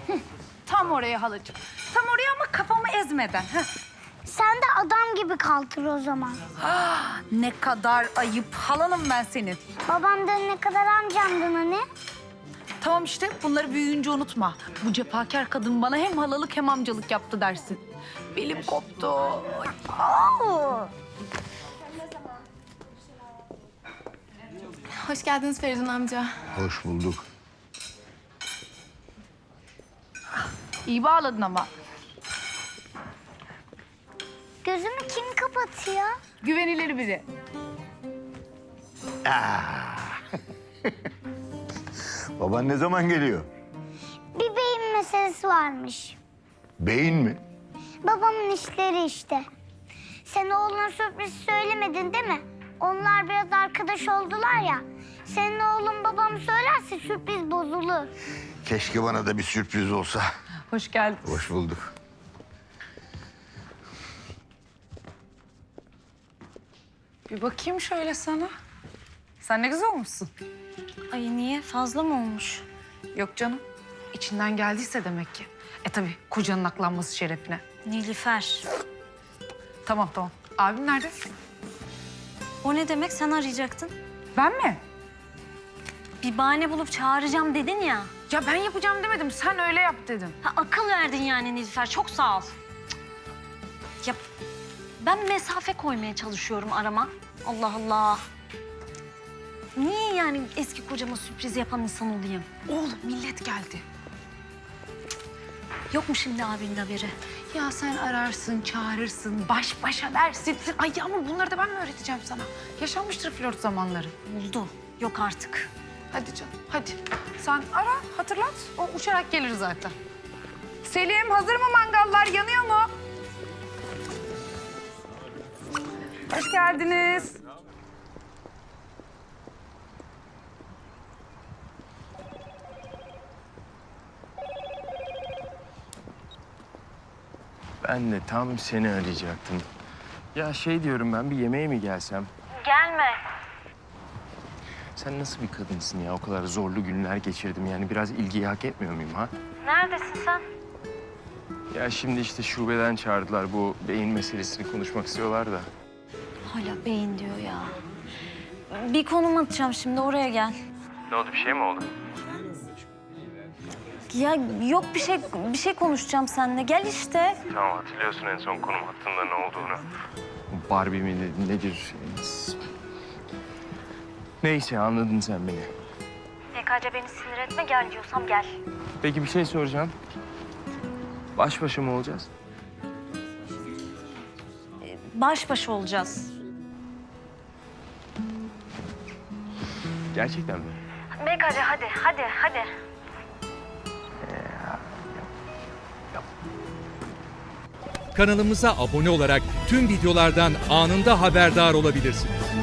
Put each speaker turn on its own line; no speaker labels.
Tam oraya halacığım. Tam oraya ama kafamı ezmeden. Heh.
Sen de adam gibi kaldır o zaman.
Ne kadar ayıp. Halanım ben senin.
Babamdan ne kadar amcamdan hani?
Tamam işte bunları büyüyünce unutma. Bu cefakar kadın bana hem halalık hem amcalık yaptı dersin. Belim koptu.
Oo.
Hoş geldiniz Feridun amca.
Hoş bulduk.
İyi bağladın ama.
Gözümü kim kapatıyor?
Güvenilir biri.
Baban ne zaman geliyor?
Bir beyin meselesi varmış.
Beyin mi?
Babamın işleri işte. Sen oğluna sürpriz söylemedin değil mi? Onlar biraz arkadaş oldular ya. Senin oğlun babamı söylerse sürpriz bozulur.
Keşke bana da bir sürpriz olsa.
Hoş geldin.
Hoş bulduk.
Bir bakayım şöyle sana. Sen ne güzel olmuşsun.
Ay niye? Fazla mı olmuş?
Yok canım. İçinden geldiyse demek ki. Tabii kocanın aklanması şerefine.
Nilüfer.
Tamam. Abim nerede?
O ne demek? Sen arayacaktın.
Ben mi?
Bir bahane bulup çağıracağım dedin ya.
Ya ben yapacağım demedim. Sen öyle yap dedim.
Ha, akıl verdin yani Nilüfer. Çok sağ ol. Ya ben mesafe koymaya çalışıyorum arama. Allah Allah. Niye yani eski kocama sürpriz yapan insan olayım?
Oğlum millet geldi.
Yok mu şimdi abinin haberi?
Ya sen ararsın, çağırırsın, baş başa dersin. Ay Yağmur bunları da ben mi öğreteceğim sana? Yaşanmıştır flört zamanları.
Oldu. Yok artık.
Hadi canım, hadi. Sen ara, hatırlat. O uçarak gelir zaten. Selim, hazır mı mangallar? Yanıyor mu? Hoş geldiniz.
Ben de tam seni arayacaktım. Ya şey diyorum ben bir yemeğe mi gelsem?
Gelme.
Sen nasıl bir kadınsın ya? O kadar zorlu günler geçirdim. Yani biraz ilgiyi hak etmiyor muyum ha?
Neredesin sen?
Ya şimdi işte şubeden çağırdılar. Bu beyin meselesini konuşmak istiyorlar da.
Hala beyin diyor ya. Bir konum atacağım şimdi oraya gel.
Ne oldu? Bir şey mi oldu?
Ya yok bir şey konuşacağım seninle. Gel işte.
Tamam hatırlıyorsun en son konum hattında ne olduğunu. Barbie mi nedir? Neyse anladın sen beni.
PKC beni sinir etme gel diyorsam gel.
Peki bir şey soracağım. Baş başa mı olacağız?
Baş başa olacağız.
Gerçekten mi?
PKC hadi.
Kanalımıza abone olarak tüm videolardan anında haberdar olabilirsiniz.